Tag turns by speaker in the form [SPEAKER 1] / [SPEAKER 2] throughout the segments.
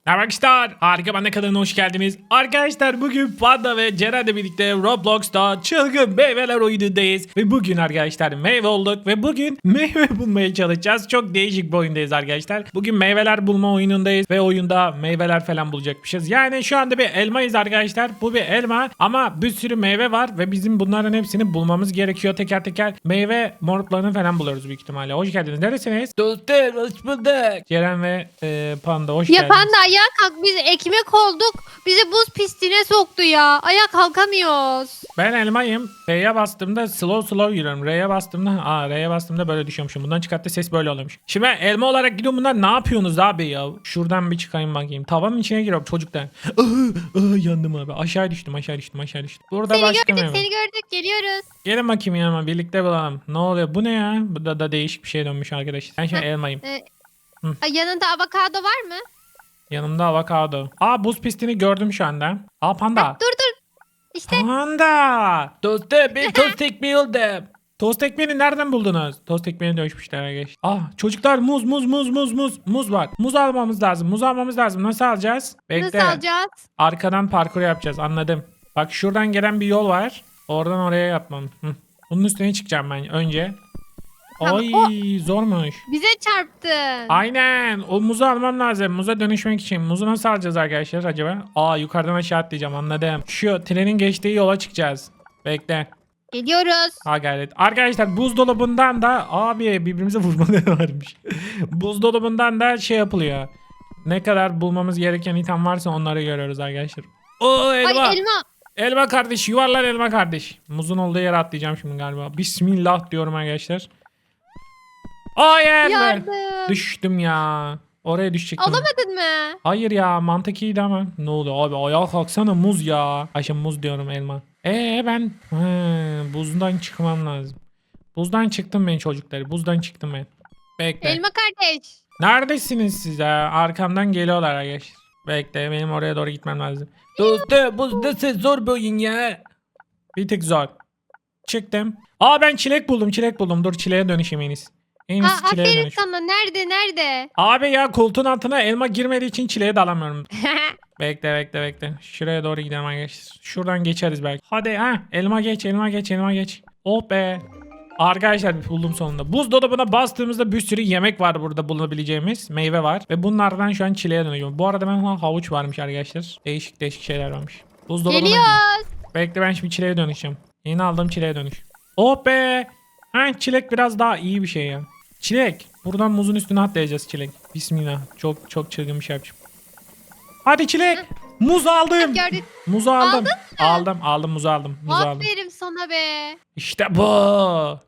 [SPEAKER 1] Arkadaşlar harika bana kanalına hoş geldiniz. Arkadaşlar bugün Panda ve Ceren'le birlikte Roblox'ta çılgın meyveler oyunundayız. Ve bugün arkadaşlar meyve olduk ve bugün meyve bulmaya çalışacağız. Çok değişik bir oyundayız arkadaşlar. Bugün meyveler bulma oyunundayız ve oyunda meyveler falan bulacakmışız. Yani şu anda bir elmayız arkadaşlar. Bu bir elma ama bir sürü meyve var ve bizim bunların hepsini bulmamız gerekiyor teker teker. Meyve moruklarını falan buluyoruz büyük ihtimalle. Hoş geldiniz. Neresiniz?
[SPEAKER 2] Dostum hoş bulduk.
[SPEAKER 1] Ceren ve Panda hoş
[SPEAKER 3] Ya
[SPEAKER 1] geldiniz.
[SPEAKER 3] Panda ayağa kalk, biz ekmek olduk. Bizi buz pistine soktu ya. Ayağa kalkamıyoruz.
[SPEAKER 1] Ben elmayım. R'ye bastığımda slow yürüyorum. R'ye bastığımda böyle düşüyormuşum. Bundan çıkarttı ses böyle oluyormuş. Şimdi ben elma olarak gidiyorum. Bunlar ne yapıyorsunuz abi ya? Şuradan bir çıkayım bakayım. Tavanın içine giriyorum çocuklar. Yandım abi. Aşağı düştüm. Burada
[SPEAKER 3] Seni
[SPEAKER 1] başka
[SPEAKER 3] gördük,
[SPEAKER 1] meyve.
[SPEAKER 3] seni gördük. Geliyoruz.
[SPEAKER 1] Gelin bakayım yanıma. Birlikte bulalım. Ne oluyor? Bu ne ya? Bu da değişik bir şey dönmüş arkadaşlar. Ben şimdi elmayım.
[SPEAKER 3] Ay, yanında avokado var mı?
[SPEAKER 1] Yanımda avokado. Buz pistini gördüm şu anda. Panda.
[SPEAKER 3] Dur. İşte
[SPEAKER 1] Panda.
[SPEAKER 2] Dostum ben tost ekmeği oldum.
[SPEAKER 1] Tost ekmeğini nereden buldunuz? Tost ekmeğini dönüşmüşler arkadaşlar. Çocuklar muz. Muz var. Muz almamız lazım. Nasıl alacağız? Bekle.
[SPEAKER 3] nasıl alacağız?
[SPEAKER 1] Arkadan parkur yapacağız. Anladım. Bak şuradan gelen bir yol var. Oradan oraya yapmam. Bunun üstüne çıkacağım ben önce.
[SPEAKER 3] Tamam,
[SPEAKER 1] Ay zormuş.
[SPEAKER 3] Bize çarptın.
[SPEAKER 1] Aynen. O muzu almam lazım. Muza dönüşmek için. Muzu nasıl alacağız arkadaşlar acaba? Yukarıdan aşağı atlayacağım. Anladım. Şu trenin geçtiği yola çıkacağız. Bekle.
[SPEAKER 3] Geliyoruz.
[SPEAKER 1] Gayret. Arkadaşlar buzdolabından da birbirimize vurmaları varmış. Buzdolabından da şey yapılıyor. Ne kadar bulmamız gereken item varsa onları görüyoruz arkadaşlar. Elma.
[SPEAKER 3] Ay elma.
[SPEAKER 1] Elma kardeş. Yuvarlan elma kardeş. Muzun olduğu yere atlayacağım şimdi galiba. Bismillah diyorum arkadaşlar. Hayır.
[SPEAKER 3] Yardım.
[SPEAKER 1] Düştüm ya. Oraya düşecektim.
[SPEAKER 3] Alamadın mı?
[SPEAKER 1] Hayır ya, mantık iyiydi ama. Ne oluyor abi, ayağa kalksana, muz ya. Ayşe muz diyorum, elma. Ben buzdan çıkmam lazım. Buzdan çıktım ben çocuklar. Buzdan çıktım ben. Bekle.
[SPEAKER 3] Elma kardeş.
[SPEAKER 1] Neredesiniz siz ya? Arkamdan geliyorlar arkadaşlar. Bekle, benim oraya doğru gitmem lazım.
[SPEAKER 2] Dostum bu nasıl zor bir oyun ya.
[SPEAKER 1] Bir tık zor. Çıktım. Ben çilek buldum. Dur çileğe dönüşeyim en iyisi. En iyisi çileğe
[SPEAKER 3] Aferin
[SPEAKER 1] dönüş.
[SPEAKER 3] sana. Nerede?
[SPEAKER 1] Abi ya, koltuğun altına elma girmediği için çileğe dalamıyorum. Bekle. Şuraya doğru gidelim arkadaşlar. Şuradan geçeriz belki. Hadi elma geç. Oh be. Arkadaşlar buldum sonunda. Buzdolabına bastığımızda bir sürü yemek var burada bulunabileceğimiz. Meyve var. Ve bunlardan şu an çileğe dönüyorum. Bu arada ben havuç varmış arkadaşlar. Değişik şeyler varmış. Buzdolabına
[SPEAKER 3] Geliyoruz.
[SPEAKER 1] Bekle, ben şimdi çileğe dönüşeceğim. Yeni aldığım çileğe dönüş. Oh be. Çilek biraz daha iyi bir şey ya. Çilek. Buradan muzun üstüne atlayacağız çilek. Bismillah. Çok çılgın bir şey yapacağım. Hadi çilek. Muz aldım.
[SPEAKER 3] Gördük.
[SPEAKER 1] Muzu aldım.
[SPEAKER 3] Aldın mı?
[SPEAKER 1] Aldım muzu aldım.
[SPEAKER 3] Aferin sana be.
[SPEAKER 1] İşte bu.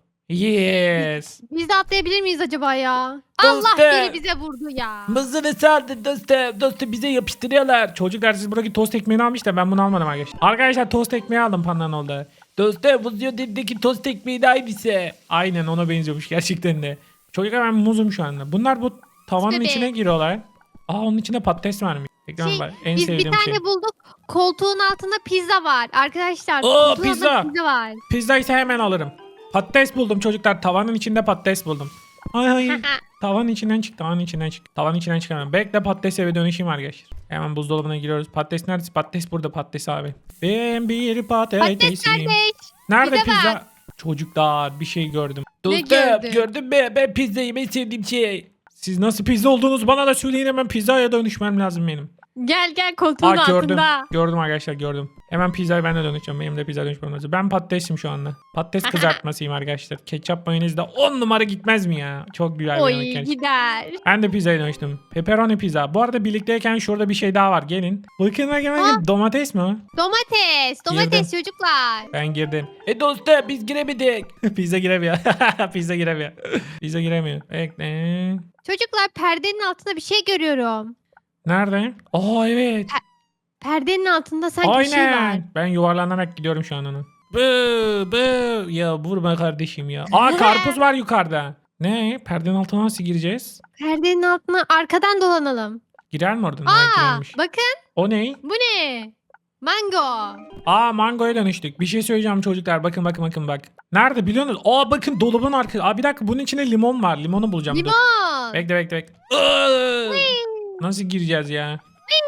[SPEAKER 1] Yes.
[SPEAKER 3] Biz de atlayabilir miyiz acaba ya?
[SPEAKER 2] Dostum.
[SPEAKER 3] Allah biri bize vurdu ya.
[SPEAKER 2] Mızını saldın dostum. Dostum bize yapıştırıyorlar.
[SPEAKER 1] Çocuklar siz buradaki tost ekmeğini almış da ben bunu almadım arkadaşlar. Arkadaşlar tost ekmeği aldım pandanın oldu.
[SPEAKER 2] Dostum Vuziyodin'deki tost ekmeği de aynısı.
[SPEAKER 1] Aynen ona benziyormuş gerçekten de. Çocuklar ben muzum şu anda. Bunlar bu tavanın
[SPEAKER 3] İşte be.
[SPEAKER 1] içine giriyorlar. Onun içinde patates varmış. En
[SPEAKER 3] Biz bir
[SPEAKER 1] sevdiğim
[SPEAKER 3] tane
[SPEAKER 1] şey.
[SPEAKER 3] bulduk. Koltuğun altında pizza var. Arkadaşlar.
[SPEAKER 1] Oo,
[SPEAKER 3] koltuğun
[SPEAKER 1] pizza.
[SPEAKER 3] altında pizza var.
[SPEAKER 1] Pizza ise hemen alırım. Patates buldum çocuklar. Tavanın içinde patates buldum. Ay. Tavanın içinden çık. Tavanın içinden çıkamam. Bekle, patates eve dönüşeyim arkadaşlar. Hemen buzdolabına giriyoruz. Patates nerede? Patates burada, patates abi. Ben bir
[SPEAKER 3] Patates
[SPEAKER 1] patatesim.
[SPEAKER 3] kardeş.
[SPEAKER 1] Nerede
[SPEAKER 3] bize
[SPEAKER 1] pizza?
[SPEAKER 3] ver.
[SPEAKER 1] Çocuklar bir şey gördüm.
[SPEAKER 2] Dostum
[SPEAKER 3] gördün?
[SPEAKER 2] gördün mü? Ben pizza yemeyi sevdiğim şey.
[SPEAKER 1] Siz nasıl pizza olduğunuzu bana da söyleyin, hemen pizzaya dönüşmem lazım benim.
[SPEAKER 3] Gel koltuğun
[SPEAKER 1] Gördüm.
[SPEAKER 3] altında.
[SPEAKER 1] Gördüm arkadaşlar, gördüm. Hemen pizzaya ben de dönüşeceğim. Benim de pizza dönüşmem lazım. Ben patatesim şu anda. Patates kızartmasıyım arkadaşlar. Ketçap mayonez de 10 numara gitmez mi ya? Çok güzel bir
[SPEAKER 3] Oy
[SPEAKER 1] yemek gerçekten.
[SPEAKER 3] gider.
[SPEAKER 1] Ben de pizzaya dönüştüm. Pepperoni pizza. Bu arada birlikteyken şurada bir şey daha var. Gelin. Bakın. Domates mi o?
[SPEAKER 3] Domates çocuklar.
[SPEAKER 1] Ben girdim.
[SPEAKER 2] Dostum biz giremedik.
[SPEAKER 1] Pizza giremiyor. Pizza giremiyor. Bekle.
[SPEAKER 3] Çocuklar perdenin altında bir şey görüyorum.
[SPEAKER 1] Nerede? Evet.
[SPEAKER 3] Perdenin altında sanki bir şey var.
[SPEAKER 1] Aynen. Ben yuvarlanarak gidiyorum şu an ona. Ya vurma kardeşim ya. Karpuz var yukarıda. Ne? Perdenin altına nasıl gireceğiz?
[SPEAKER 3] Perdenin altına arkadan dolanalım.
[SPEAKER 1] Girer mi oradan? Ha, girermiş.
[SPEAKER 3] Bakın
[SPEAKER 1] O ne?
[SPEAKER 3] bu ne? Mango.
[SPEAKER 1] Mangoya dönüştük. Bir şey söyleyeceğim çocuklar. Bakın bak. Nerede biliyor musunuz? Bakın dolabın arkası. Bir dakika, bunun içinde limon var. Limonu bulacağım. Dur.
[SPEAKER 3] Limon.
[SPEAKER 1] Bekle. Nasıl gireceğiz ya?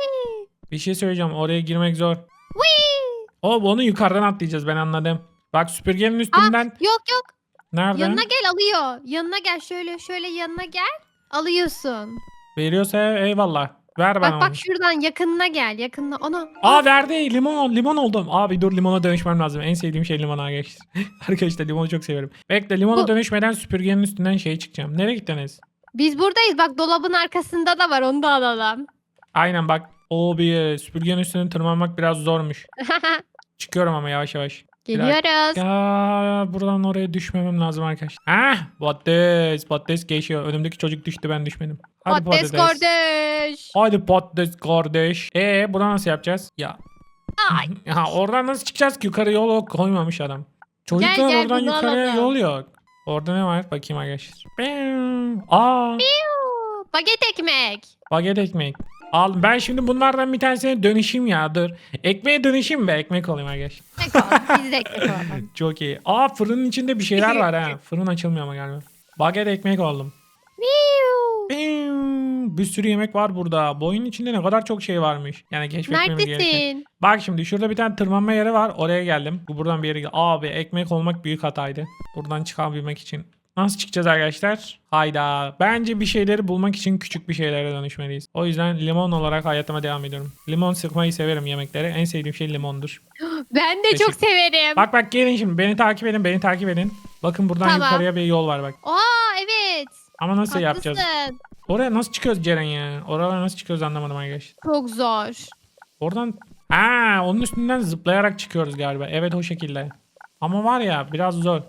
[SPEAKER 1] Bir şey söyleyeceğim. Oraya girmek zor.
[SPEAKER 3] Whee!
[SPEAKER 1] Onu yukarıdan atlayacağız, ben anladım. Bak süpürgenin üstünden.
[SPEAKER 3] Yok yok.
[SPEAKER 1] Nerede?
[SPEAKER 3] Yanına gel alıyor. Yanına gel şöyle yanına gel. Alıyorsun.
[SPEAKER 1] Veriyorsa eyvallah. Ver bana
[SPEAKER 3] Bak
[SPEAKER 1] onu.
[SPEAKER 3] bak şuradan yakınına gel. Yakınına onu.
[SPEAKER 1] Aa verdi, limon oldum. Abi dur, limona dönüşmem lazım. En sevdiğim şey limon arkadaşlar. Arkadaşlar limonu çok severim. Bekle, limona
[SPEAKER 3] Bu-
[SPEAKER 1] dönüşmeden süpürgenin üstünden çıkacağım. Nereye gittiniz?
[SPEAKER 3] Biz buradayız. Bak dolabın arkasında da var. Onu da alalım.
[SPEAKER 1] Aynen bak. Süpürgenin üstüne tırmanmak biraz zormuş. Çıkıyorum ama yavaş yavaş.
[SPEAKER 3] Geliyoruz.
[SPEAKER 1] Ya buradan oraya düşmemem lazım arkadaşlar. Patates geçiyor. Önümdeki çocuk düştü, ben düşmedim. Hadi
[SPEAKER 3] Patates kardeş.
[SPEAKER 1] Hadi patates kardeş. Buradan nasıl yapacağız? Ya.
[SPEAKER 3] Ay.
[SPEAKER 1] Ya oradan nasıl çıkacağız ki? Yukarı yol koymamış adam. Çocuklar
[SPEAKER 3] Gel,
[SPEAKER 1] oradan
[SPEAKER 3] bunu
[SPEAKER 1] yukarıya
[SPEAKER 3] alalım.
[SPEAKER 1] yol yok. Orada ne var? Bakayım arkadaşlar. Aa,
[SPEAKER 3] Baget ekmek.
[SPEAKER 1] baget ekmek. Al, ben şimdi bunlardan bir tanesine dönüşeyim ya, dur. Ekmeğe dönüşeyim be, ekmek olayım arkadaşlar.
[SPEAKER 3] Ekmek olalım. Biz de ekmek olalım.
[SPEAKER 1] Çok iyi. Fırının içinde bir şeyler var ha. Fırın açılmıyor ama galiba. Baget ekmek oldum.
[SPEAKER 3] Miu.
[SPEAKER 1] Bir sürü yemek var burada. Bu oyunun içinde ne kadar çok şey varmış. Yani keşfetmemiz gereken.
[SPEAKER 3] Neredesin?
[SPEAKER 1] Bak şimdi şurada bir tane tırmanma yeri var. Oraya geldim. Bu buradan bir yere geldim. Abi ekmek olmak büyük hataydı. Buradan çıkabilmek için. Nasıl çıkacağız arkadaşlar? Hayda. Bence bir şeyleri bulmak için küçük bir şeylere dönüşmeliyiz. O yüzden limon olarak hayatıma devam ediyorum. Limon sıkmayı severim yemeklere. En sevdiğim şey limondur.
[SPEAKER 3] Ben de çok severim.
[SPEAKER 1] Bak gelin şimdi. Beni takip edin. Beni takip edin. Bakın buradan
[SPEAKER 3] Tamam.
[SPEAKER 1] yukarıya bir yol var bak.
[SPEAKER 3] Evet.
[SPEAKER 1] Ama nasıl yapacağız?
[SPEAKER 3] Haklısın.
[SPEAKER 1] Oraya nasıl çıkıyoruz Ceren ya? Oralara nasıl çıkıyoruz anlamadım arkadaşlar.
[SPEAKER 3] Çok zor.
[SPEAKER 1] Oradan onun üstünden zıplayarak çıkıyoruz galiba. Evet, o şekilde. Ama var ya, biraz zor.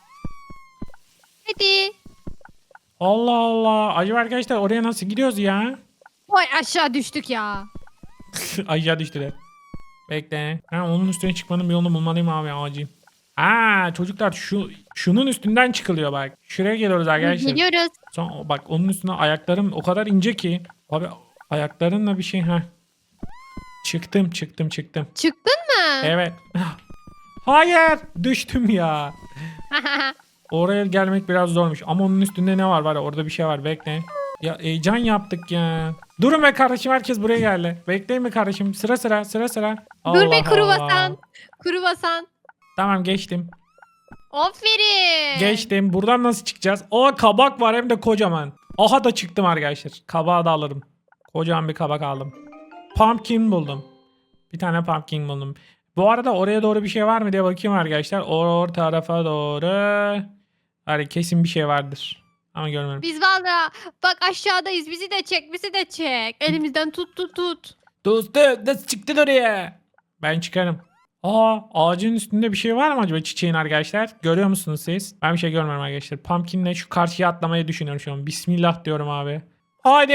[SPEAKER 3] Hadi.
[SPEAKER 1] Allah Allah. Acaba arkadaşlar oraya nasıl gidiyoruz ya?
[SPEAKER 3] Oy aşağı düştük ya.
[SPEAKER 1] Aşağı düştüler. Bekle. Onun üstüne çıkmanın bir yolunu bulmalıyım abi, acil. Çocuklar şunun üstünden çıkılıyor bak. Şuraya geliyoruz arkadaşlar.
[SPEAKER 3] Geliyoruz.
[SPEAKER 1] Sonra bak, onun üstüne ayaklarım o kadar ince ki. Abi ayaklarınla bir şey Çıktım.
[SPEAKER 3] Çıktın mı?
[SPEAKER 1] Evet. Hayır, düştüm ya. Oraya gelmek biraz zormuş. Ama onun üstünde ne var ya, orada bir şey var, bekle. Ya heyecan yaptık ya. Durun be kardeşim, herkes buraya geldi. Bekleyin mi kardeşim? Sıra.
[SPEAKER 3] Dur bir
[SPEAKER 1] Allah
[SPEAKER 3] kruvasan.
[SPEAKER 1] Allah.
[SPEAKER 3] Kruvasan.
[SPEAKER 1] Tamam, geçtim.
[SPEAKER 3] Aferin.
[SPEAKER 1] Geçtim. Buradan nasıl çıkacağız? Kabak var, hem de kocaman. Aha da çıktım arkadaşlar. Kabağı da alırım. Kocaman bir kabak aldım. Pumpkin buldum. Bir tane pumpkin buldum. Bu arada oraya doğru bir şey var mı diye bakayım arkadaşlar. Tarafa doğru. Hani kesin bir şey vardır. Ama görmüyorum.
[SPEAKER 3] Biz valla bak aşağıdayız. Bizi de çek. Elimizden tut.
[SPEAKER 2] Dostum nasıl çıktın oraya?
[SPEAKER 1] Ben çıkarım. Ağacın üstünde bir şey var mı acaba, çiçeğin arkadaşlar? Görüyor musunuz siz? Ben bir şey görmüyorum arkadaşlar. Pumpkin'le şu karşıya atlamayı düşünüyorum şu an. Bismillah diyorum abi. Hadi.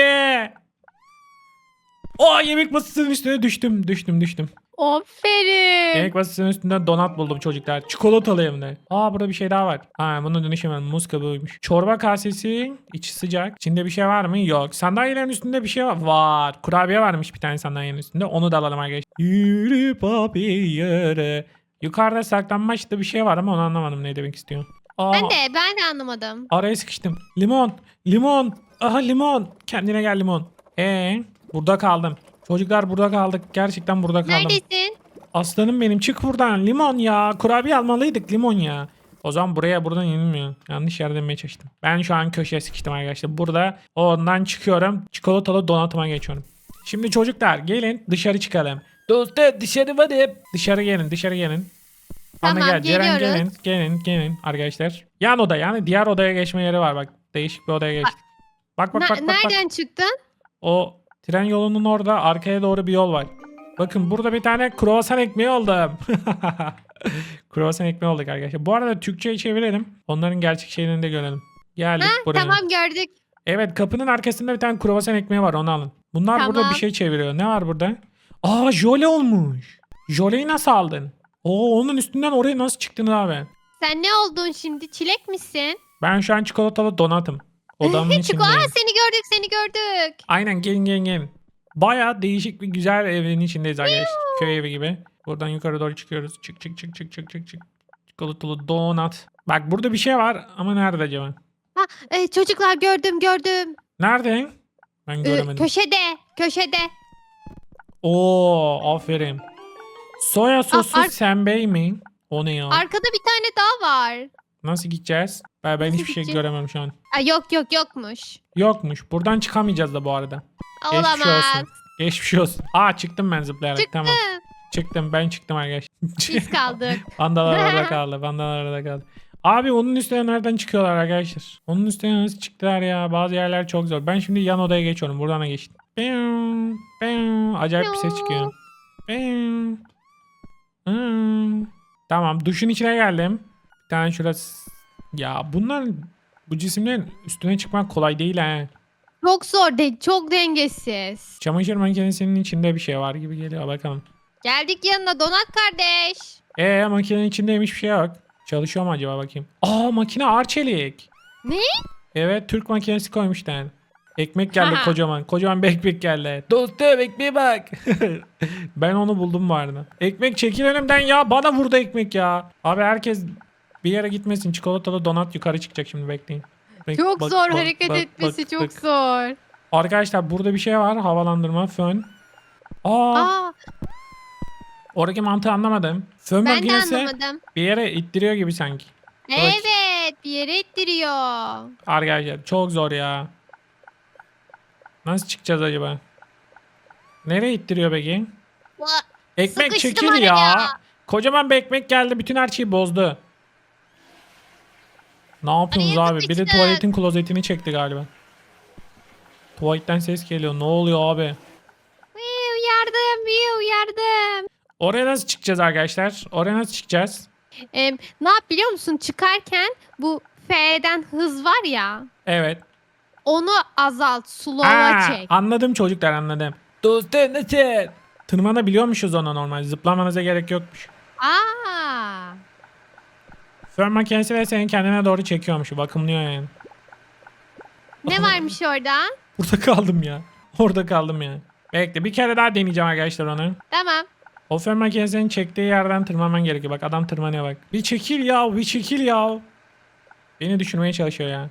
[SPEAKER 1] Yemek masasının üstüne düştüm.
[SPEAKER 3] Aferin.
[SPEAKER 1] Yemek masasının üstünden donat buldum çocuklar. Çikolatalı hem de. Burada bir şey daha var. Bunu dönüşemem. Muz kabuğuymuş. Çorba kasesi. İçi sıcak. İçinde bir şey var mı? Yok. Sandalyelerin üstünde bir şey var. Var. Kurabiye varmış bir tane sandalyenin üstünde. Onu da alalım arkadaşlar. Yürü papi yürü. Yukarıda saklanmaçta bir şey var ama onu anlamadım, ne demek istiyor.
[SPEAKER 3] Ben de anlamadım.
[SPEAKER 1] Araya sıkıştım. Limon. Aha, limon. Kendine gel limon. Burada kaldım. Çocuklar, burada kaldık. Gerçekten burada kaldım.
[SPEAKER 3] Neredesin?
[SPEAKER 1] Aslanım benim, çık buradan. Limon ya. Kurabiye almalıydık, limon ya. O zaman buradan yenilmiyor. Yanlış yere demeye çalıştım. Ben şu an köşeye sıkıştım arkadaşlar. Burada ondan çıkıyorum. Çikolatalı donatıma geçiyorum. Şimdi çocuklar gelin dışarı çıkalım.
[SPEAKER 2] Dostum dışarı varım.
[SPEAKER 1] Dışarı gelin. Bana
[SPEAKER 3] Tamam,
[SPEAKER 1] gel. Ceren,
[SPEAKER 3] geliyoruz.
[SPEAKER 1] gelin arkadaşlar. Yan oda, yani diğer odaya geçme yeri var bak. Değişik bir odaya geçtik. Bak.
[SPEAKER 3] Nereden çıktın?
[SPEAKER 1] O tren yolunun orada arkaya doğru bir yol var. Bakın burada bir tane kruvasan ekmeği oldum. Kruvasan ekmeği olduk arkadaşlar. Bu arada Türkçe'ye çevirelim. Onların gerçek şeylerini de görelim. Geldik buraya.
[SPEAKER 3] Tamam gördük.
[SPEAKER 1] Evet, kapının arkasında bir tane kruvasan ekmeği var, onu alın. Bunlar
[SPEAKER 3] Tamam.
[SPEAKER 1] burada bir şey çeviriyor. Ne var burada? Jöle olmuş. Jöleyi nasıl aldın? Onun üstünden oraya nasıl çıktın abi?
[SPEAKER 3] Sen ne oldun şimdi? Çilek misin?
[SPEAKER 1] Ben şu an çikolatalı donatım. Odamın içindeyim.
[SPEAKER 3] Seni gördük.
[SPEAKER 1] Aynen, gelin. Baya değişik bir güzel evin içindeyiz arkadaşlar. Köy evi gibi. Buradan yukarı doğru çıkıyoruz. Çık. Çikolatalı donat. Bak burada bir şey var ama nerede acaba?
[SPEAKER 3] Çocuklar gördüm.
[SPEAKER 1] Nerede? Ben göremedim.
[SPEAKER 3] Köşede.
[SPEAKER 1] Oo, aferin. Soya sosu
[SPEAKER 3] ar-
[SPEAKER 1] senbei mi? O ne ya?
[SPEAKER 3] Arkada bir tane daha var.
[SPEAKER 1] Nasıl gideceğiz? Ben
[SPEAKER 3] Nasıl
[SPEAKER 1] hiçbir şey
[SPEAKER 3] gideceğiz?
[SPEAKER 1] göremem şu an.
[SPEAKER 3] Yok yokmuş.
[SPEAKER 1] Yokmuş. Buradan çıkamayacağız da bu arada. Geçmiş
[SPEAKER 3] Olamaz.
[SPEAKER 1] olsun. Geçmiş olsun. Aa, çıktım ben zıplayarak.
[SPEAKER 3] Çıktı.
[SPEAKER 1] Tamam. Çıktım. Ben çıktım arkadaşlar.
[SPEAKER 3] Biz kaldık.
[SPEAKER 1] Pandalar orada kaldı. Pandalar orada kaldı. Abi onun üstüne nereden çıkıyorlar arkadaşlar? Onun üstüne nasıl çıktılar ya? Bazı yerler çok zor. Ben şimdi yan odaya geçiyorum. Buradan da geçtim. Bing, bing. Acayip bir ses çıkıyor. Bing. Hmm. Tamam, duşun içine geldim. Bir tane şurası. Ya bunlar, bu cisimlerin üstüne çıkmak kolay değil ha.
[SPEAKER 3] Çok zor değil. Çok dengesiz.
[SPEAKER 1] Çamaşır makinesinin içinde bir şey var gibi geliyor, bakalım.
[SPEAKER 3] Geldik yanına Donat kardeş.
[SPEAKER 1] Makinenin içindeymiş, bir şey yok. Çalışıyor mu acaba, bakayım. Aa, makine Arçelik.
[SPEAKER 3] Ne?
[SPEAKER 1] Evet, Türk makinesi koymuşlar. Ekmek geldi kocaman. Kocaman bir ekmek geldi.
[SPEAKER 2] Dostum ekmeğe bak.
[SPEAKER 1] Ben onu buldum bu arada. Ekmek çekil önümden ya. Bana vurdu ekmek ya. Abi herkes bir yere gitmesin. Çikolatalı donat yukarı çıkacak şimdi, bekleyin.
[SPEAKER 3] Çok
[SPEAKER 1] Bak,
[SPEAKER 3] zor
[SPEAKER 1] bak,
[SPEAKER 3] hareket
[SPEAKER 1] bak,
[SPEAKER 3] etmesi
[SPEAKER 1] bak,
[SPEAKER 3] çok
[SPEAKER 1] bak.
[SPEAKER 3] zor.
[SPEAKER 1] Arkadaşlar burada bir şey var. Havalandırma, fön. Aa,
[SPEAKER 3] Aa,
[SPEAKER 1] oradaki mantığı anlamadım. Fön
[SPEAKER 3] ben de
[SPEAKER 1] makinesi
[SPEAKER 3] anlamadım.
[SPEAKER 1] bir yere ittiriyor gibi sanki.
[SPEAKER 3] Evet, bir yere ittiriyor.
[SPEAKER 1] Arkadaşlar çok zor ya. Nasıl çıkacağız acaba? Nereye ittiriyor peki? Ekmek
[SPEAKER 3] Sıkıştım
[SPEAKER 1] çekil
[SPEAKER 3] oraya.
[SPEAKER 1] ya. Kocaman bir ekmek geldi. Bütün her şeyi bozdu. Ne yapıyorsunuz
[SPEAKER 3] Araya
[SPEAKER 1] abi? Bir de
[SPEAKER 3] sıkıştık.
[SPEAKER 1] tuvaletin klozetini çekti galiba. Tuvaletten ses geliyor. Ne oluyor abi?
[SPEAKER 3] Yardım, yardım.
[SPEAKER 1] Oraya nasıl çıkacağız arkadaşlar? Oraya nasıl çıkacağız?
[SPEAKER 3] Ne yap biliyor musun? Çıkarken bu F'den hız var ya.
[SPEAKER 1] Evet.
[SPEAKER 3] Onu azalt, slow'a çek.
[SPEAKER 1] Anladım çocuklar, anladım.
[SPEAKER 2] Dostum nasıl?
[SPEAKER 1] Tırmanabiliyormuşuz ona normal. Zıplamanıza gerek yokmuş.
[SPEAKER 3] Aa.
[SPEAKER 1] Fön makinesi ve seni kendine doğru çekiyormuş. Bakımlıyor yani.
[SPEAKER 3] Ne varmış orada?
[SPEAKER 1] Burada kaldım ya. Orada kaldım ya. Bekle, bir kere daha deneyeceğim arkadaşlar onu.
[SPEAKER 3] Tamam.
[SPEAKER 1] O fön makinesinin çektiği yerden tırmanman gerekiyor. Bak, adam tırmanıyor bak. Bir çekil ya, bir çekil ya. Beni düşürmeye çalışıyor ya.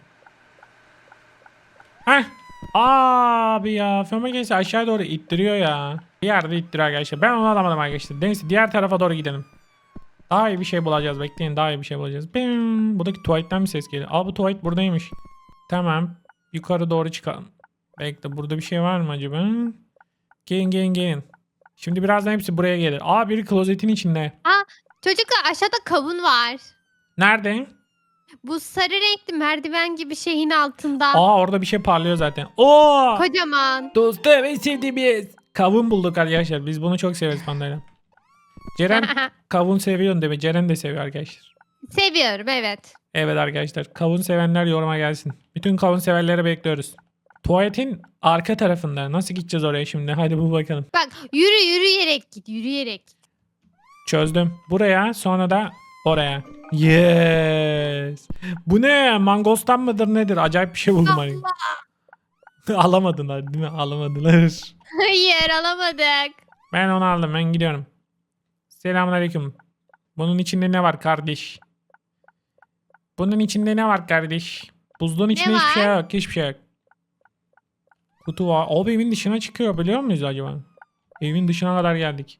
[SPEAKER 1] Heh. Abi ya, fön makinesi aşağı doğru ittiriyor ya. Bir yerde ittiriyor arkadaşlar. Ben onu alamadım arkadaşlar. Neyse, diğer tarafa doğru gidelim. Daha iyi bir şey bulacağız. Bekleyin, daha iyi bir şey bulacağız. Bim. Buradaki tuvaletten bir ses geliyor. Aa, bu tuvalet buradaymış. Tamam. Yukarı doğru çıkalım. Bekle, burada bir şey var mı acaba? Gelin gelin gelin. Şimdi birazdan hepsi buraya gelir. Aa, biri klozetin içinde.
[SPEAKER 3] Çocuklar aşağıda kavun var.
[SPEAKER 1] Nerede?
[SPEAKER 3] Bu sarı renkli merdiven gibi şeyin altında.
[SPEAKER 1] Aa, orada bir şey parlıyor zaten. Oo!
[SPEAKER 3] Kocaman.
[SPEAKER 2] Dostum en sevdiğimiz.
[SPEAKER 1] Kavun bulduk arkadaşlar. Biz bunu çok severiz pandayla. Ceren kavun seviyorsun değil mi? Ceren de seviyor arkadaşlar.
[SPEAKER 3] Seviyorum evet.
[SPEAKER 1] Evet arkadaşlar. Kavun sevenler yoruma gelsin. Bütün kavun severleri bekliyoruz. Tuvaletin arka tarafında. Nasıl gideceğiz oraya şimdi? Hadi bu bakalım.
[SPEAKER 3] Bak yürüyerek git yürüyerek.
[SPEAKER 1] Çözdüm. Buraya, sonra da oraya. Yes. Bu ne? Mangostan mıdır nedir? Acayip bir şey buldum. Hani. Alamadılar değil mi? Alamadılar.
[SPEAKER 3] Hayır alamadık.
[SPEAKER 1] Ben onu aldım. Ben gidiyorum. Selamünaleyküm. Bunun içinde ne var kardeş? Bunun içinde ne var kardeş? Buzluğun içinde hiçbir şey
[SPEAKER 3] var?
[SPEAKER 1] yok. Hiçbir şey yok. Kutu var. Abi evin dışına çıkıyor, biliyor muyuz acaba? Evin dışına kadar geldik.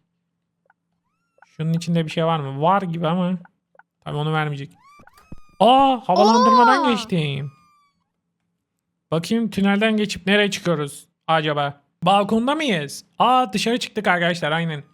[SPEAKER 1] Şunun içinde bir şey var mı? Var gibi ama. Tabii onu vermeyecek. Aa, havalandırmadan
[SPEAKER 3] Oo.
[SPEAKER 1] geçtim. Bakayım tünelden geçip nereye çıkıyoruz acaba? Balkonda mıyız? Aa, dışarı çıktık arkadaşlar, aynen.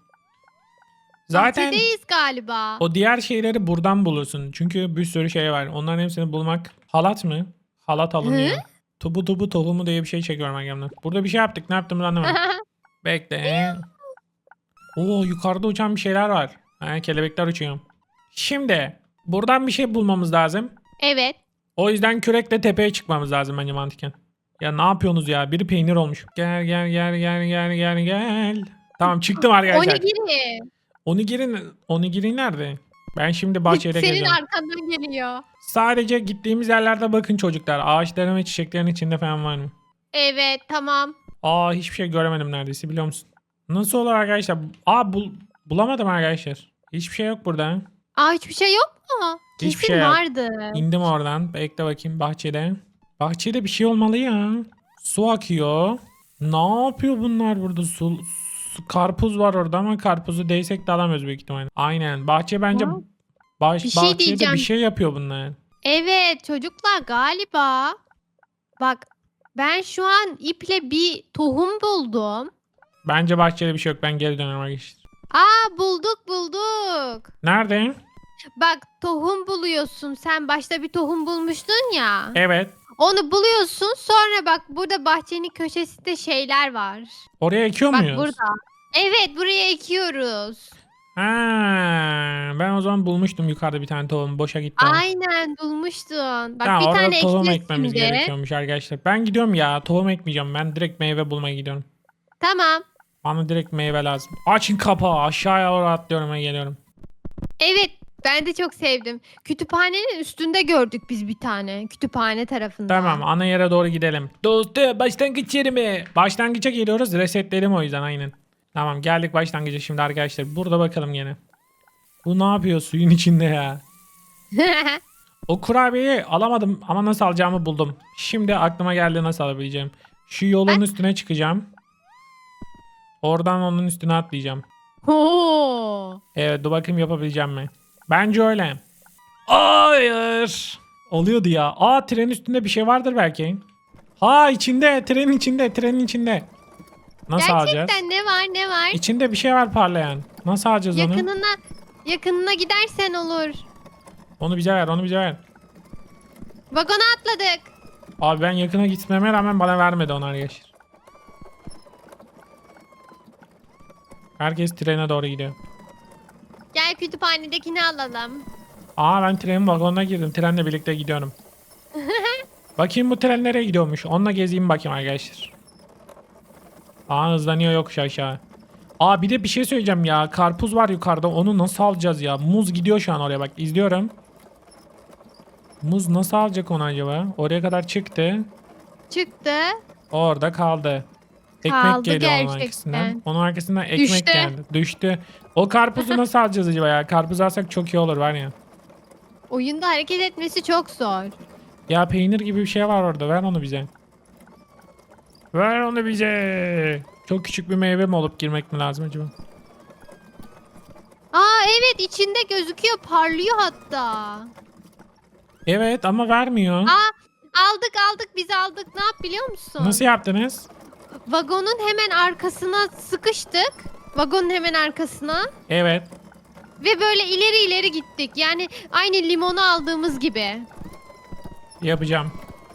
[SPEAKER 1] Zaten
[SPEAKER 3] Bahçedeyiz galiba.
[SPEAKER 1] o diğer şeyleri buradan bulursun. Çünkü bir sürü şey var. Onların hepsini bulmak. Halat mı? Halat alınıyor. Tubu tubu tohumu diye bir şey çekiyorum arkamdan. Burada bir şey yaptık. Ne yaptığımızı anlamadım. Bekle. Oo, yukarıda uçan bir şeyler var. Ha, kelebekler uçuyor. Şimdi buradan bir şey bulmamız lazım.
[SPEAKER 3] Evet.
[SPEAKER 1] O yüzden kürekle tepeye çıkmamız lazım bence mantıken. Ya ne yapıyorsunuz ya? Biri peynir olmuş. Gel gel gel gel gel gel gel. Tamam, çıktım arkadaşlar.
[SPEAKER 3] Onigiri.
[SPEAKER 1] Onigiri nerede? Ben şimdi bahçede
[SPEAKER 3] Senin
[SPEAKER 1] geziyorum.
[SPEAKER 3] arkandan geliyor.
[SPEAKER 1] Sadece gittiğimiz yerlerde bakın çocuklar. Ağaçların ve çiçeklerin içinde falan var mı?
[SPEAKER 3] Evet tamam.
[SPEAKER 1] Aa, hiçbir şey göremedim neredeyse, biliyor musun? Nasıl olur arkadaşlar? Aa, bulamadım arkadaşlar. Hiçbir şey yok burada.
[SPEAKER 3] Aa hiçbir şey yok mu?
[SPEAKER 1] Hiçbir
[SPEAKER 3] Kesin
[SPEAKER 1] şey yok.
[SPEAKER 3] vardı.
[SPEAKER 1] İndim oradan. Bekle bakayım bahçede. Bahçede bir şey olmalı ya. Su akıyor. Ne yapıyor bunlar burada? Su karpuz var orada ama karpuzu değsek de alamıyoruz büyük ihtimalle. Aynen. Bahçe bence
[SPEAKER 3] Ya, bir şey
[SPEAKER 1] bahçede
[SPEAKER 3] diyeceğim.
[SPEAKER 1] bir şey yapıyor bunlar.
[SPEAKER 3] Evet çocuklar galiba. Bak ben şu an iple bir tohum buldum.
[SPEAKER 1] Bence bahçede bir şey yok. Ben geri dönüyorum arkadaşlar.
[SPEAKER 3] Aa bulduk.
[SPEAKER 1] Nerede?
[SPEAKER 3] Bak tohum buluyorsun. Sen başta bir tohum bulmuştun ya.
[SPEAKER 1] Evet.
[SPEAKER 3] Onu buluyorsun. Sonra bak burada bahçenin köşesinde şeyler var.
[SPEAKER 1] Oraya ekiyor
[SPEAKER 3] Bak
[SPEAKER 1] muyuz?
[SPEAKER 3] burada. Evet buraya ekiyoruz.
[SPEAKER 1] Ha, ben o zaman bulmuştum yukarıda bir tane tohum. Boşa gitti o.
[SPEAKER 3] Aynen bulmuştun. Bak
[SPEAKER 1] Tamam,
[SPEAKER 3] bir
[SPEAKER 1] orada
[SPEAKER 3] tane
[SPEAKER 1] tohum
[SPEAKER 3] ekeceğiz
[SPEAKER 1] ekmemiz
[SPEAKER 3] şimdi.
[SPEAKER 1] gerekiyormuş arkadaşlar. Ben gidiyorum ya. Tohum ekmeyeceğim. Ben direkt meyve bulmaya gidiyorum.
[SPEAKER 3] Tamam.
[SPEAKER 1] Bana direkt meyve lazım. Açın kapağı. Aşağıya doğru atlıyorum ve geliyorum.
[SPEAKER 3] Evet ben de çok sevdim. Kütüphanenin üstünde gördük biz bir tane. Kütüphane tarafında.
[SPEAKER 1] Tamam, ana yere doğru gidelim.
[SPEAKER 2] Dostum başlangıç yeri mi?
[SPEAKER 1] Başlangıça geliyoruz. Resetledim o yüzden aynen. Tamam, geldik başlangıca şimdi arkadaşlar. Burada bakalım gene. Bu ne yapıyor suyun içinde ya? O kurabiyeyi alamadım ama nasıl alacağımı buldum. Şimdi aklıma geldi nasıl alabileceğim. Şu yolun üstüne çıkacağım. Oradan onun üstüne atlayacağım.
[SPEAKER 3] Oo.
[SPEAKER 1] Evet, dur bakayım yapabileceğim mi? Bence öyle. Hayır. Oluyordu ya. Aa, trenin üstünde bir şey vardır belki. Ha, içinde, trenin içinde. Nasıl alacağız?
[SPEAKER 3] Gerçekten ne var?
[SPEAKER 1] İçinde bir şey var parlayan. Nasıl alacağız onu?
[SPEAKER 3] Yakınına gidersen olur.
[SPEAKER 1] Onu bize ver, onu bize ver.
[SPEAKER 3] Vagona atladık.
[SPEAKER 1] Abi ben yakına gitmeme rağmen bana vermedi onu arkadaşlar. Herkes trene doğru gidiyor.
[SPEAKER 3] Gel kütüphanedekini alalım.
[SPEAKER 1] Aa, ben trenin vagonuna girdim. Trenle birlikte gidiyorum. Bakayım bu tren nereye gidiyormuş. Onunla gezeyim bakayım arkadaşlar. Aa, hızlanıyor yokuş aşağı. Aa, bir de bir şey söyleyeceğim ya. Karpuz var yukarıda. Onu nasıl alacağız ya? Muz gidiyor şu an oraya, bak izliyorum. Muz nasıl alacak onu acaba? Oraya kadar çıktı.
[SPEAKER 3] Çıktı.
[SPEAKER 1] Orada kaldı. Ekmek
[SPEAKER 3] Kaldı
[SPEAKER 1] geliyor onun
[SPEAKER 3] gerçekten.
[SPEAKER 1] arkasından. Onun arkasından ekmek
[SPEAKER 3] Düştü.
[SPEAKER 1] geldi. Düştü. O karpuzu nasıl alacağız acaba ya? Karpuz alsak çok iyi olur var ya.
[SPEAKER 3] Oyunda hareket etmesi çok zor.
[SPEAKER 1] Ya peynir gibi bir şey var orada. Ver onu bize. Ver onu bize. Çok küçük bir meyve mi olup girmek mi lazım acaba?
[SPEAKER 3] Aa evet içinde gözüküyor parlıyor hatta.
[SPEAKER 1] Evet ama vermiyor.
[SPEAKER 3] Aa aldık biz aldık. Ne yap biliyor musun?
[SPEAKER 1] Nasıl yaptınız?
[SPEAKER 3] Vagonun hemen arkasına sıkıştık. Vagonun hemen arkasına.
[SPEAKER 1] Evet.
[SPEAKER 3] Ve böyle ileri gittik. Yani aynı limonu aldığımız gibi.
[SPEAKER 1] Yapacağım.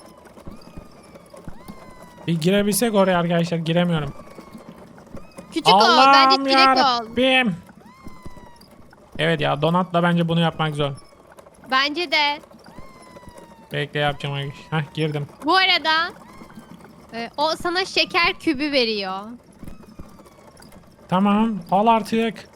[SPEAKER 1] Bir girebilsek oraya arkadaşlar, giremiyorum.
[SPEAKER 3] Küçük ol. Bence çilek ol.
[SPEAKER 1] yarabbim. Evet ya, donatla bence bunu yapmak zor.
[SPEAKER 3] Bence de.
[SPEAKER 1] Bekle, yapacağım arkadaşlar. Heh, girdim.
[SPEAKER 3] Bu arada o sana şeker kübü veriyor.
[SPEAKER 1] Tamam, al artık.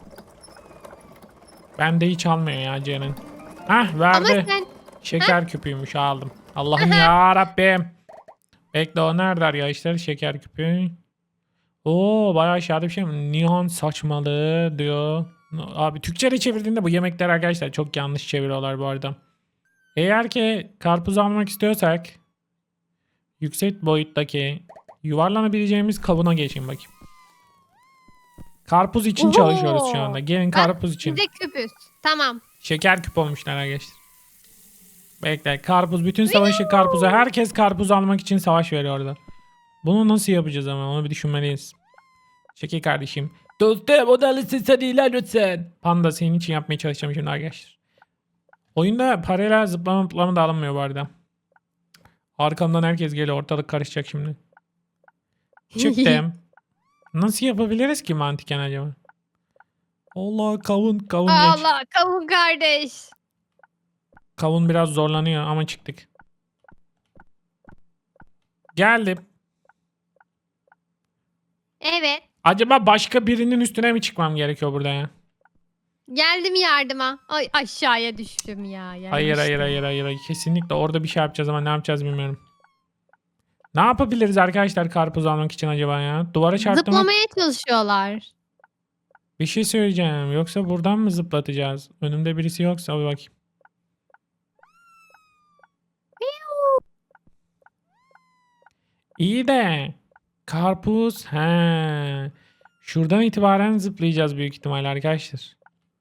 [SPEAKER 1] Bende hiç almıyor ya Ceren. Heh, verdi.
[SPEAKER 3] Ama sen
[SPEAKER 1] Şeker küpüymüş, aldım. Allah'ım ya Rabbim. Bekle, o nerede arkadaşlar şeker küpü? Oo, bayağı aşağıda bir şey mi? Nihan saçmalığı diyor. Abi Türkçe'ye çevirdiğinde bu yemekler arkadaşlar çok yanlış çeviriyorlar bu arada. Eğer ki karpuz almak istiyorsak yüksek boyuttaki yuvarlanabileceğimiz kabına geçin bakayım. Karpuz için
[SPEAKER 3] Oho.
[SPEAKER 1] çalışıyoruz şu anda. Gelin karpuz için.
[SPEAKER 3] bize küpüz. Tamam.
[SPEAKER 1] Şeker küp olmuşlar arkadaşlar. Bekle, karpuz, bütün savaşı karpuza. Herkes karpuz almak için savaş veriyor orada. Bunu nasıl yapacağız ama onu bir düşünmeliyiz. Şeker kardeşim.
[SPEAKER 2] Dostum odalısın sen ilan lütfen.
[SPEAKER 1] Panda, senin için yapmaya çalışacağım şimdi arkadaşlar. Oyunda parayla zıplama da alınmıyor bu arada. Arkamdan herkes geliyor, ortalık karışacak şimdi. Çıktım. Nasıl yapabiliriz ki mantıken acaba? Allah, kavun geç.
[SPEAKER 3] Allah kavun kardeş.
[SPEAKER 1] Kavun biraz zorlanıyor ama çıktık. Geldim.
[SPEAKER 3] Evet.
[SPEAKER 1] Acaba başka birinin üstüne mi çıkmam gerekiyor burada ya?
[SPEAKER 3] Geldim yardıma. Ay aşağıya düştüm ya.
[SPEAKER 1] Hayır,
[SPEAKER 3] yanlışlıkla.
[SPEAKER 1] hayır. Kesinlikle orada bir şey yapacağız ama ne yapacağız bilmiyorum. Ne yapabiliriz arkadaşlar karpuz almak için acaba ya? Duvara çarptım.
[SPEAKER 3] Zıplamaya çalışıyorlar.
[SPEAKER 1] Bir şey söyleyeceğim. Yoksa buradan mı zıplatacağız? Önümde birisi yoksa bir bakayım. İyi de karpuz. He. Şuradan itibaren zıplayacağız büyük ihtimalle arkadaşlar.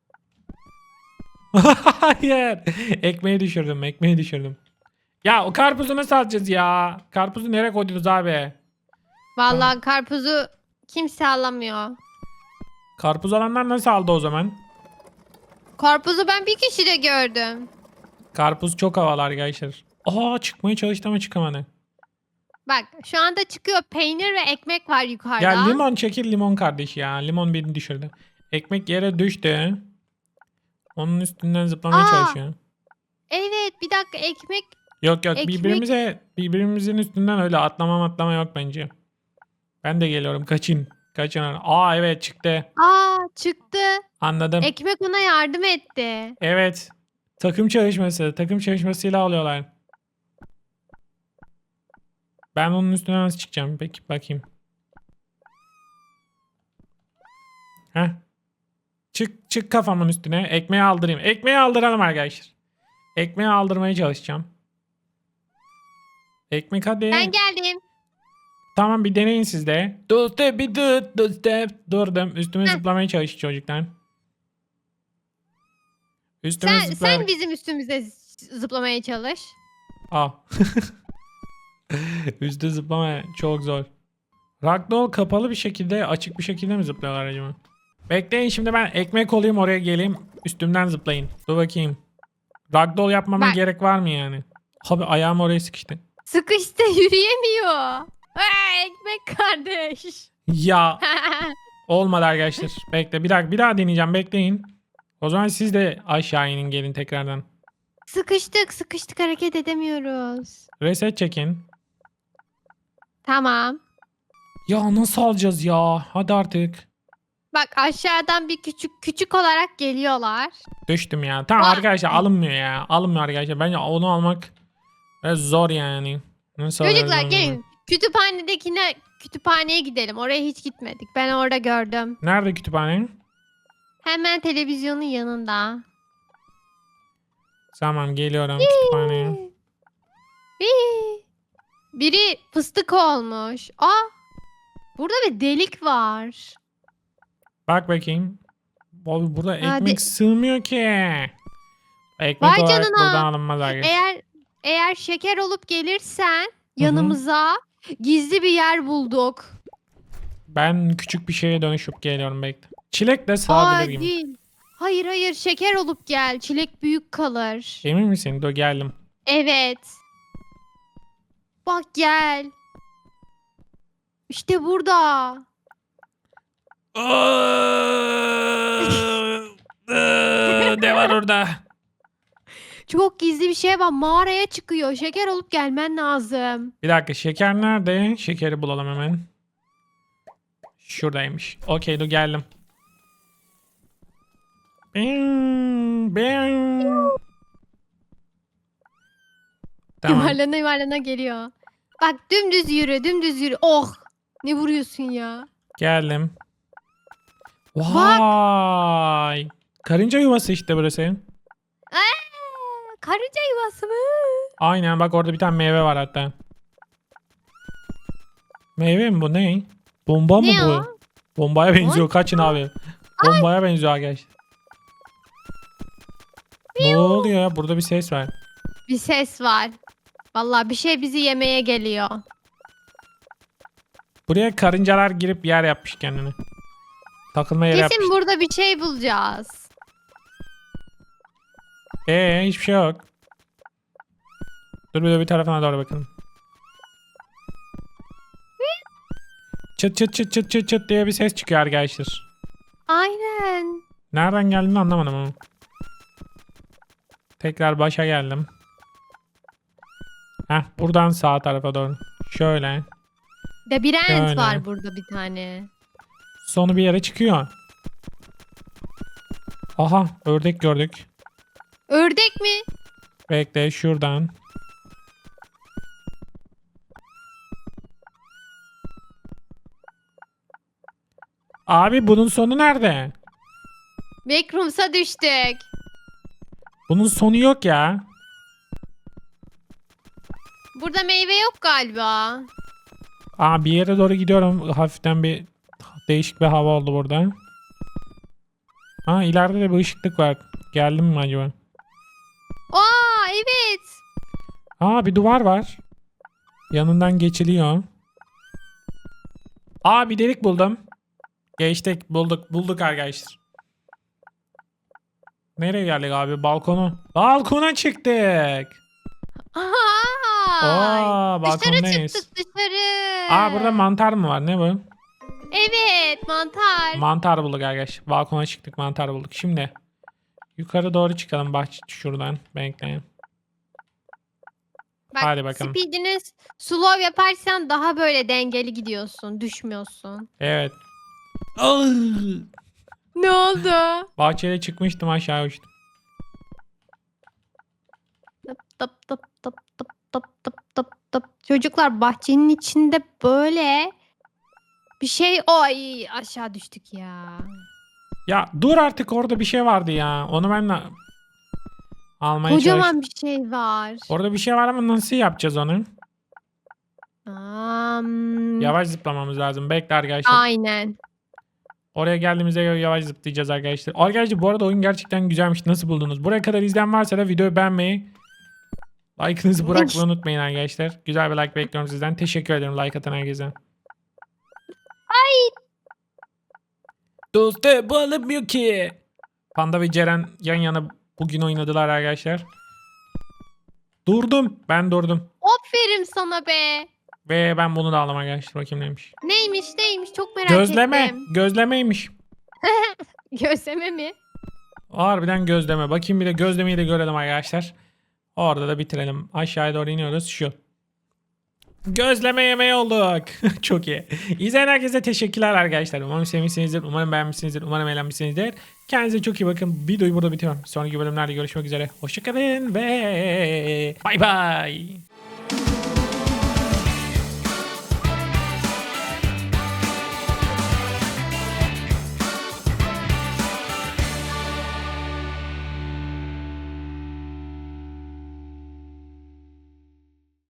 [SPEAKER 1] Hayır. Ekmeği düşürdüm. Ya o karpuzu nasıl alacağız ya? Karpuzu nereye koydunuz abi?
[SPEAKER 3] Vallahi karpuzu kimse alamıyor.
[SPEAKER 1] Karpuz alanlar nasıl aldı o zaman?
[SPEAKER 3] Karpuzu ben bir kişide gördüm.
[SPEAKER 1] Karpuz çok havalı arkadaşlar. Aa, çıkmaya çalıştı ama çıkamadı.
[SPEAKER 3] Bak şu anda çıkıyor, peynir ve ekmek var yukarıda.
[SPEAKER 1] Ya limon çekil, limon kardeş ya. Limon birini düşürdü. Ekmek yere düştü. Onun üstünden zıplamaya
[SPEAKER 3] Aa!
[SPEAKER 1] çalışıyor.
[SPEAKER 3] Evet, bir dakika, ekmek.
[SPEAKER 1] Yok
[SPEAKER 3] Ekmek-
[SPEAKER 1] birbirimizin üstünden öyle atlama yok bence. Ben de geliyorum, kaçın. Kaçın. Aa evet, çıktı.
[SPEAKER 3] Çıktı.
[SPEAKER 1] Anladım.
[SPEAKER 3] Ekmek ona yardım etti.
[SPEAKER 1] Evet. Takım çalışmasıyla alıyorlar. Ben onun üstüne nasıl çıkacağım? Peki bakayım. Heh. Çık kafamın üstüne. Ekmeği aldırayım. Ekmeği aldıralım arkadaşlar. Ekmeği aldırmaya çalışacağım. Ekmek hadi.
[SPEAKER 3] Ben geldim.
[SPEAKER 1] Tamam, bir deneyin siz de.
[SPEAKER 2] Dostum bir dur dostum.
[SPEAKER 1] Durdum. Üstüme
[SPEAKER 3] Heh.
[SPEAKER 1] zıplamaya çalışıyor çocuklar. Üstüme
[SPEAKER 3] Sen bizim üstümüze zıplamaya çalış.
[SPEAKER 1] Aa. Üstü zıplama çok zor. Ragdoll kapalı bir şekilde, açık bir şekilde mi zıplıyorlar acaba? Bekleyin, şimdi ben ekmek olayım, oraya geleyim. Üstümden zıplayın. Dur bakayım. Ragdoll yapmama
[SPEAKER 3] Bak.
[SPEAKER 1] gerek var mı yani? Abi ayağım oraya sıkıştı.
[SPEAKER 3] Sıkıştı, yürüyemiyor. Ekmek kardeş.
[SPEAKER 1] Ya olmadı arkadaşlar. Bekle, bir daha deneyeceğim, bekleyin. O zaman siz de aşağı inin, gelin tekrardan.
[SPEAKER 3] Sıkıştık, hareket edemiyoruz.
[SPEAKER 1] Reset çekin.
[SPEAKER 3] Tamam.
[SPEAKER 1] Ya nasıl alacağız ya? Hadi artık.
[SPEAKER 3] Bak aşağıdan bir küçük olarak geliyorlar.
[SPEAKER 1] Düştüm ya. Tamam
[SPEAKER 3] Aa.
[SPEAKER 1] arkadaşlar, alınmıyor ya. Alınmıyor arkadaşlar. Bence onu almak biraz zor yani. Nasıl
[SPEAKER 3] Çocuklar
[SPEAKER 1] alacağız onu?
[SPEAKER 3] gelin. Kütüphaneye gidelim. Oraya hiç gitmedik. Ben orada gördüm.
[SPEAKER 1] Nerede kütüphane?
[SPEAKER 3] Hemen televizyonun yanında.
[SPEAKER 1] Tamam, geliyorum kütüphaneye.
[SPEAKER 3] Hii. Biri fıstık olmuş. Burada bir delik var.
[SPEAKER 1] Bak bakayım. Abi burada ekmek
[SPEAKER 3] Hadi.
[SPEAKER 1] sığmıyor ki. Ekmek
[SPEAKER 3] Vay
[SPEAKER 1] olarak
[SPEAKER 3] canına.
[SPEAKER 1] buradan alınmaz arkadaşlar.
[SPEAKER 3] Eğer şeker olup gelirsen yanımıza, gizli bir yer bulduk.
[SPEAKER 1] Ben küçük bir şeye dönüşüp geliyorum, bekle. Çilek de sığabilir gibi.
[SPEAKER 3] Değil. Hayır, şeker olup gel. Çilek büyük kalır.
[SPEAKER 1] Emin misin? Dur geldim.
[SPEAKER 3] Evet. Bak gel. İşte burada.
[SPEAKER 1] Ne var orada?
[SPEAKER 3] Çok gizli bir şey var. Mağaraya çıkıyor. Şeker olup gelmen lazım.
[SPEAKER 1] Bir dakika, şeker nerede? Şekeri bulalım hemen. Şuradaymış. Okey, dur geldim. Tamam.
[SPEAKER 3] Yuvarlana geliyor. Bak dümdüz yürü. Oh. Ne vuruyorsun ya?
[SPEAKER 1] Geldim. Vay. Karınca yuvası işte burası.
[SPEAKER 3] Karınca yuvası mı?
[SPEAKER 1] Aynen, bak orada bir tane meyve var hatta. Meyve mi bu, ne? Bomba mı
[SPEAKER 3] Ne
[SPEAKER 1] bu?
[SPEAKER 3] o?
[SPEAKER 1] Bombaya benziyor, kaçın abi. Bombaya benziyor arkadaşlar. Ne oluyor ya? Burada bir ses var.
[SPEAKER 3] Bir ses var. Vallahi bir şey bizi yemeye geliyor.
[SPEAKER 1] Buraya karıncalar girip yer yapmış kendine. Takılma yeri
[SPEAKER 3] Kesin
[SPEAKER 1] yapmış.
[SPEAKER 3] burada bir şey bulacağız.
[SPEAKER 1] Hiçbir şey yok. Dur bir tarafına doğru bakalım. Çıt çıt çıt çıt çıt çıt diye bir ses çıkıyor arkadaşlar.
[SPEAKER 3] Aynen.
[SPEAKER 1] Nereden geldiğini anlamadım ama. Tekrar başa geldim. Buradan sağ tarafa doğru. Şöyle.
[SPEAKER 3] Labirent
[SPEAKER 1] Şöyle.
[SPEAKER 3] var burada bir tane.
[SPEAKER 1] Sonu bir yere çıkıyor. Aha, ördek gördük.
[SPEAKER 3] Ördek mi?
[SPEAKER 1] Bekle, şuradan. Abi bunun sonu nerede?
[SPEAKER 3] Backrooms'a düştük.
[SPEAKER 1] Bunun sonu yok ya.
[SPEAKER 3] Burada meyve yok galiba.
[SPEAKER 1] Bir yere doğru gidiyorum. Hafiften bir Değişik bir hava oldu burada. Ha, ileride de bir ışıklık var. Geldim mi acaba?
[SPEAKER 3] Aa evet.
[SPEAKER 1] Aa, bir duvar var. Yanından geçiliyor. Aa, bir delik buldum. Geçtik, bulduk arkadaşlar. Nereye geldik abi? Balkona çıktık.
[SPEAKER 3] Aa, dışarı
[SPEAKER 1] Balkondayız.
[SPEAKER 3] çıktık dışarı.
[SPEAKER 1] Aa, burada mantar mı var? Ne bu?
[SPEAKER 3] Evet mantar.
[SPEAKER 1] Mantar bulduk arkadaşlar. Balkona çıktık, mantar bulduk. Şimdi yukarı doğru çıkalım bahçe şuradan. Bekleyin.
[SPEAKER 3] Bak,
[SPEAKER 1] Hadi bakalım.
[SPEAKER 3] speedini slow yaparsan daha böyle dengeli gidiyorsun. Düşmüyorsun.
[SPEAKER 1] Evet.
[SPEAKER 3] Ne oldu?
[SPEAKER 1] Bahçeye çıkmıştım, aşağı uçtum.
[SPEAKER 3] Tıp tıp tıp tıp tıp tıp tıp tıp tıp. Çocuklar bahçenin içinde böyle bir şey. Ay aşağı düştük ya.
[SPEAKER 1] Ya dur artık, orada bir şey vardı ya. Onu ben de almaya çalıştım.
[SPEAKER 3] Kocaman bir şey var.
[SPEAKER 1] Orada bir şey var ama nasıl yapacağız onu?
[SPEAKER 3] Yavaş.
[SPEAKER 1] Yavaş zıplamamız lazım. Bekle arkadaşlar.
[SPEAKER 3] Aynen.
[SPEAKER 1] Oraya geldiğimizde göre yavaş zıplayacağız arkadaşlar. Arkadaşlar bu arada oyun gerçekten güzelmiş. Nasıl buldunuz? Buraya kadar izleyen varsa da videoyu beğenmeyi, like'ınızı bırakmayı unutmayın arkadaşlar. Güzel bir like bekliyorum sizden. Teşekkür ederim like atan herkese.
[SPEAKER 2] Dostum bu alınmıyor ki.
[SPEAKER 1] Panda ve Ceren yan yana bugün oynadılar arkadaşlar. Ben durdum.
[SPEAKER 3] Aferin sana be.
[SPEAKER 1] Ve ben bunu da aldım arkadaşlar. Bakayım neymiş.
[SPEAKER 3] Neymiş çok merak
[SPEAKER 1] Gözleme.
[SPEAKER 3] ettim.
[SPEAKER 1] Gözlemeymiş.
[SPEAKER 3] Gözleme mi?
[SPEAKER 1] Harbiden gözleme. Bakayım bir de gözlemeyi de görelim arkadaşlar. Orada da bitirelim. Aşağıya doğru iniyoruz. Şu. Gözleme yemeği olduk. Çok iyi. İzleyen herkese teşekkürler arkadaşlar. Umarım sevmişsinizdir. Umarım beğenmişsinizdir. Umarım eğlenmişsinizdir. Kendinize çok iyi bakın. Videoyu burada bitiriyorum. Sonraki bölümlerde görüşmek üzere. Hoşçakalın ve bay bay.